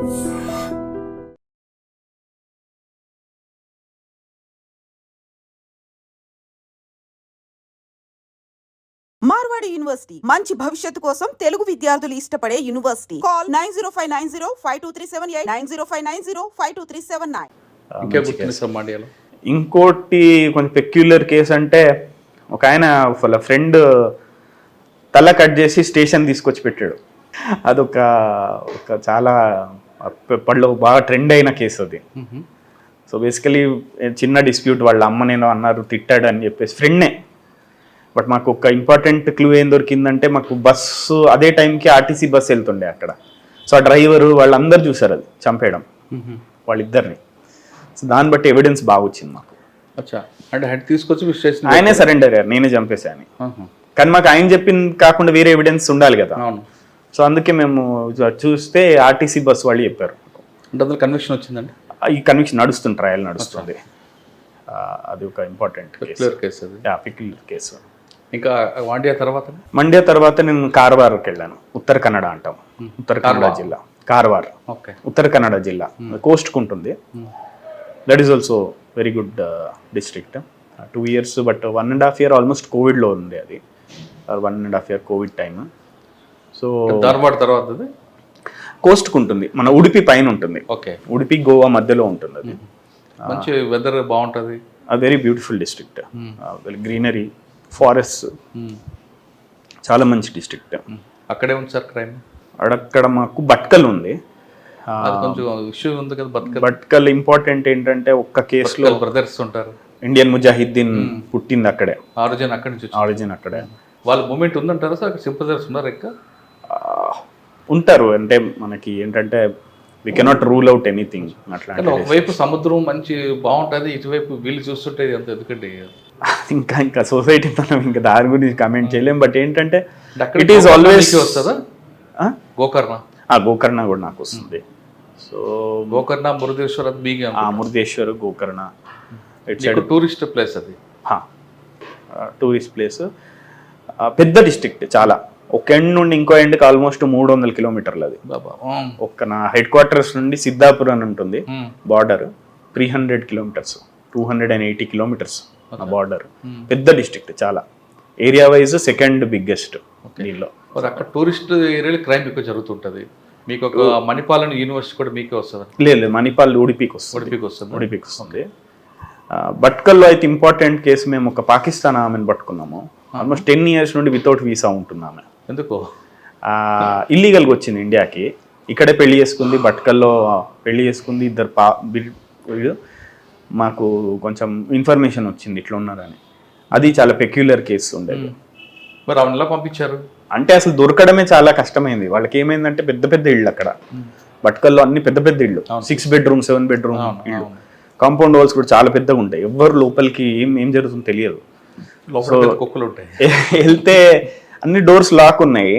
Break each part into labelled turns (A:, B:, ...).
A: Marwadi university మంచి భవిష్యత్తు కోసం తెలుగు విద్యార్థులు ఇష్టపడే యూనివర్సిటీ. కాల్ 9059052378 9059052379.
B: ఇంకోటి కొంచెం పెక్యులర్ కేసు అంటే ఒక ఆయన వాళ్ళ ఫ్రెండ్ తల కట్ చేసి స్టేషన్ తీసుకొచ్చి పెట్టాడు. అదొక చాలా అప్పట్లో బాగా ట్రెండ్ అయిన కేసు అది. సో బేసికలీ చిన్న డిస్ప్యూట్, వాళ్ళ అమ్మ నేను అన్నారు తిట్టాడు అని చెప్పేసి ఫ్రెండ్నే. బట్ మాకు ఒక ఇంపార్టెంట్ క్లూ ఏం దొరికిందంటే, మాకు బస్సు అదే టైంకి ఆర్టీసీ బస్సు వెళ్తుండే అక్కడ. సో ఆ డ్రైవరు వాళ్ళందరూ చూసారు అది చంపేయడం వాళ్ళిద్దరిని. సో దాన్ని బట్టి ఎవిడెన్స్ బాగా వచ్చింది మాకు.
C: అంటే హెడ్ తీసుకొచ్చి
B: ఆయనే సరెండర్ అయ్యారు, నేనే చంపేశాను. కానీ మాకు ఆయన చెప్పింది కాకుండా వేరే ఎవిడెన్స్ ఉండాలి కదా. సో అందుకే మేము చూస్తే ఆర్టీసీ బస్సు వాళ్ళు చెప్పారు.
C: అంటే అందులో కన్విక్షన్ వచ్చిందండి.
B: ఈ కన్విక్షన్ నడుస్తుంది, ట్రయల్ నడుస్తుంది. అది ఒక ఇంపార్టెంట్ కేసు.
C: ఇంకా
B: మండ్య తర్వాత నేను కార్వార్కి వెళ్ళాను. ఉత్తర కన్నడ అంటాం, ఉత్తర కన్నడ జిల్లా కార్వార్. ఉత్తర కన్నడ జిల్లా కోస్ట్కు ఉంటుంది. That is also very good district. 2 years but 1.5 year almost కోవిడ్లో ఉంది అది. 1.5 year covid time. So
C: Dharwad తర్వాత
B: కోస్ట్కు ఉంటుంది, మన ఉడిపి పైన ఉంటుంది. ఉడిపి గోవా మధ్యలో ఉంటుంది అది.
C: మంచి వెదర్ బాగుంటుంది.
B: Very beautiful district. Greenery, forest, చాలా మంచి డిస్ట్రిక్ట్.
C: అక్కడే ఉంది సార్ క్రైమ్.
B: అక్కడ మాకు భట్కల్ ఉంది.
C: కొంచెం ఇష్యూ ఉంది కదా
B: భట్కల్. ఇంపార్టెంట్ ఏంటంటే ఒక్క కేసులో
C: బ్రదర్స్ ఉంటారు.
B: ఇండియన్ ముజాహిద్దీన్ పుట్టింది అక్కడే.
C: ఆరిజిన్ అక్కడి నుంచి.
B: ఆరిజిన్ అక్కడే.
C: వాళ్ళ మూమెంట్ ఉందంటారా సార్? సింపథైజర్స్ ఉన్నారు ఇంకా
B: ఉంటారు. అంటే మనకి ఏంటంటే we cannot rule out anything. అట్లా
C: ఒకవైపు సముద్రం మంచి బాగుంటుంది, ఇటువైపు వీళ్ళు చూస్తుంటే అంత ఎందుకంటే
B: ఇంకా సొసైటీ మనం ఇంకా దాని గురించి కమెంట్ చేయలేం. బట్ ఏంటంటే ఇట్ ఈస్ ఆల్వేస్
C: వస్తుందా గోకర్ణ?
B: గోకర్ణ కూడా నాకు వస్తుంది. So
C: Gokarna, Murudeshwar,
B: Murudeshwar, Gokarna
C: tourist place. అది
B: టూరిస్ట్ ప్లేస్. పెద్ద డిస్ట్రిక్ట్ చాలా. ఒక ఎండ్ నుండి ఇంకో ఎండ్కి ఆల్మోస్ట్ 300 kilometers అది. ఒక్క నా హెడ్ క్వార్టర్స్ నుండి సిద్ధాపూర్ అని ఉంటుంది బార్డర్, 300 kilometers, 280 kilometers నా బార్డర్. పెద్ద డిస్ట్రిక్ట్ చాలా. ఏరియా వైజ్ సెకండ్ బిగ్గెస్ట్ దీనిలో.
C: అక్కడ టూరిస్ట్ ఏరియాలో క్రైమ్ ఎక్కువ జరుగుతుంటుంది. మీకు ఒక మణిపాల్ యూనివర్సిటీ కూడా మీకే వస్తుంది?
B: లేదు, మణిపాల్ ఉడిపికి వస్తుంది. భట్కల్లో అయితే ఇంపార్టెంట్ కేసు, మేము ఒక పాకిస్తాన్ ఆమెను పట్టుకున్నాము. ఆల్మోస్ట్ 10 years నుండి వితౌట్ వీసా ఉంటుంది ఆమె.
C: ఎందుకు?
B: ఇల్లీగల్గా వచ్చింది ఇండియాకి. ఇక్కడే పెళ్లి చేసుకుంది, భట్కల్లో పెళ్లి చేసుకుంది. ఇద్దరు మాకు కొంచెం ఇన్ఫర్మేషన్ వచ్చింది ఇట్లా ఉన్నారని. అది చాలా పెక్యులర్ కేసు ఉండేది.
C: మరి ఆమె ఎలా పంపించారు
B: అంటే అసలు దొరకడమే చాలా కష్టమైంది. వాళ్ళకి ఏమైందంటే పెద్ద పెద్ద ఇళ్ళు అక్కడ భట్కల్లో, అన్ని పెద్ద పెద్ద ఇళ్ళు, 6 bedroom 7 bedroom ఇళ్ళు. కాంపౌండ్ వాల్స్ కూడా చాలా పెద్దగా ఉంటాయి. ఎవ్వరు లోపలికి ఏం జరుగుతుందో తెలియదు.
C: కుక్కలు ఉంటాయి.
B: వెళ్తే అన్ని డోర్స్ లాక్ ఉన్నాయి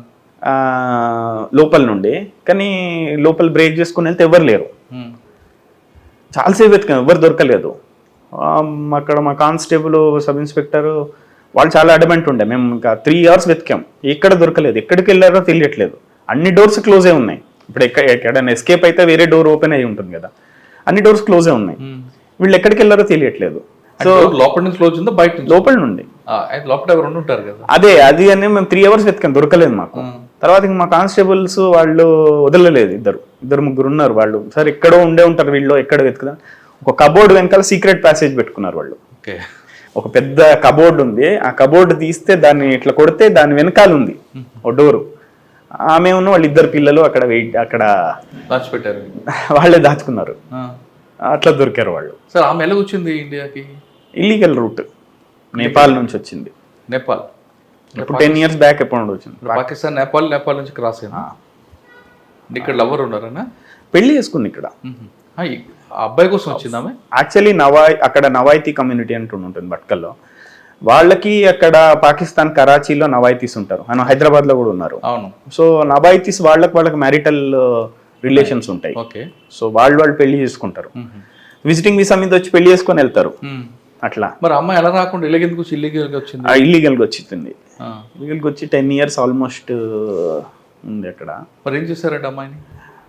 B: లోపల నుండి. కానీ లోపల బ్రేక్ చేసుకుని వెళ్తే ఎవరు లేరు. చాలాసేపు వెతికాం, ఎవరు దొరకలేదు. అక్కడ మా కానిస్టేబుల్, సబ్ ఇన్స్పెక్టర్ వాళ్ళు చాలా అడమెంట్ ఉండే. మేము ఇంకా 3 hours వెతికాం, ఎక్కడ దొరకలేదు. ఎక్కడికి వెళ్ళారో తెలియట్లేదు. అన్ని డోర్స్ క్లోజే ఉన్నాయి. ఇప్పుడు ఎక్కడైనా ఎస్కేప్ అయితే వేరే డోర్ ఓపెన్ అయ్యి ఉంటుంది కదా, అన్ని డోర్స్ క్లోజే ఉన్నాయి. వీళ్ళు ఎక్కడికి వెళ్ళారో తెలియట్లేదు.
C: సో లోపల నుంచి క్లోజ్ ఉందా బయట?
B: లోపల నుండి.
C: లోపల ఎవరు ఉంటారు కదా.
B: అది అని మేము 3 hours వెతికాం, దొరకలేదు మాకు. తర్వాత ఇంక మా కానిస్టేబుల్స్ వాళ్ళు వదలలేదు. ఇద్దరు ముగ్గురు ఉన్నారు. వాళ్ళు సరే ఎక్కడో ఉండే ఉంటారు వీళ్ళు, ఎక్కడ వెతుకుదా. ఒక కబోర్డ్ వెనకాల సీక్రెట్ ప్యాసేజ్ పెట్టుకున్నారు వాళ్ళు. ఒక పెద్ద కబోర్డ్ ఉంది. ఆ కబోర్డ్ తీస్తే దాన్ని ఇట్లా కొడితే దాని వెనకాల ఉంది ఓ డోరు. ఆమె ఉన్న వాళ్ళు 2 పిల్లలు అక్కడ
C: దాచిపెట్టారు.
B: వాళ్ళే దాచుకున్నారు. అట్లా దొరికారు వాళ్ళు.
C: సార్ ఆమె ఎలా వచ్చింది ఇండియాకి?
B: ఇల్లీగల్ రూట్, నేపాల్ నుంచి వచ్చింది.
C: నేపాల్
B: ఇప్పుడు 10 years బ్యాక్ ఎప్పుడు వచ్చింది.
C: పాకిస్తాన్, నేపాల్ నుంచి క్రాస్ అయింది. ఇక్కడ లవర్ ఉన్నారనా?
B: పెళ్లి చేసుకుంది ఇక్కడ.
C: అబ్బాయి కోసం వచ్చింది ఆమె.
B: యాక్చువల్లీ అక్కడ నవాయితీ కమ్యూనిటీ అంటూ ఉంటుంది భట్కల్లో. వాళ్ళకి అక్కడ పాకిస్తాన్ కరాచీలో నవాయితీస్ ఉంటారు. ఆయన హైదరాబాద్ లో కూడా ఉన్నారు.
C: అవును.
B: సో నవాయితీస్ వాళ్ళకి మ్యారిటల్ రిలేషన్స్ ఉంటాయి. సో వాళ్ళు పెళ్లి చేసుకుంటారు. విజిటింగ్ వీసా మీద వచ్చి పెళ్లి చేసుకొని వెళ్తారు. అట్లా.
C: మరి అమ్మాయి ఎలా రాకుండా ఇల్లీగల్గా వచ్చింది?
B: ఇల్లీగల్గా వచ్చింది. ఇల్లీగల్గా వచ్చి 10 years ఆల్మోస్ట్ ఉంది అక్కడ.
C: మరి ఏం చేశారంటే అమ్మాయిని?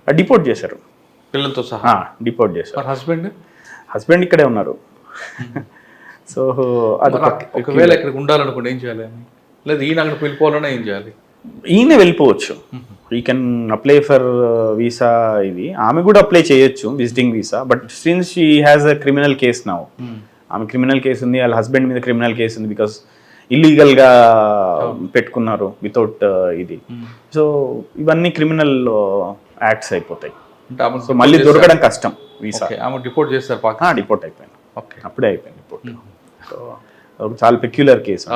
B: డిపోర్ట్ చేశారు,
C: పిల్లలతో సహా.
B: డిపోర్ట్ చేశారు.
C: మరి హస్బెండ్
B: హస్బెండ్ ఇక్కడే ఉన్నారు. సో అది
C: ఒకవేళ ఇక్కడికి ఉండాలనుకోండి ఏం చేయాలి అని, లేదు ఈయన అక్కడ వెళ్ళిపోవాలన్నా ఏం చేయాలి?
B: ఈయన వెళ్ళిపోవచ్చు, ఈ కెన్ అప్లై ఫర్ వీసా. ఇది ఆమె కూడా అప్లై చేయొచ్చు, visiting visa. But since she has a criminal case now, ఆమె క్రిమినల్ కేసు ఉంది, వాళ్ళ హస్బెండ్ మీద క్రిమినల్ కేసు ఉంది, బికాస్ ఇల్లీగల్గా పెట్టుకున్నారు వితౌట్ ఇది. సో ఇవన్నీ క్రిమినల్ యాక్ట్స్ అయిపోతాయి.
C: అంటే ఆమె
B: సో మళ్ళీ దొరకడం కష్టం వీసా.
C: ఆమె డిపోర్ట్ చేస్తారు పాకిస్తాన్.
B: డిపోర్ట్ అయిపోయింది,
C: ఓకే.
B: అప్పుడే అయిపోయింది డిపోర్ట్. సో చాలా పెక్యులర్ కేసు.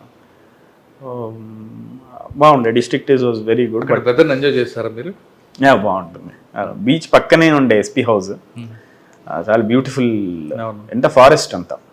B: బాగుండే, district is was very good.
C: But weather enjoy చేస్తారా మీరు?
B: బాగుంటుంది. బీచ్ పక్కనే ఉండే ఎస్పీ హౌస్, చాలా బ్యూటిఫుల్.
C: అవును.
B: ఎంత ఫారెస్ట్ అంతా.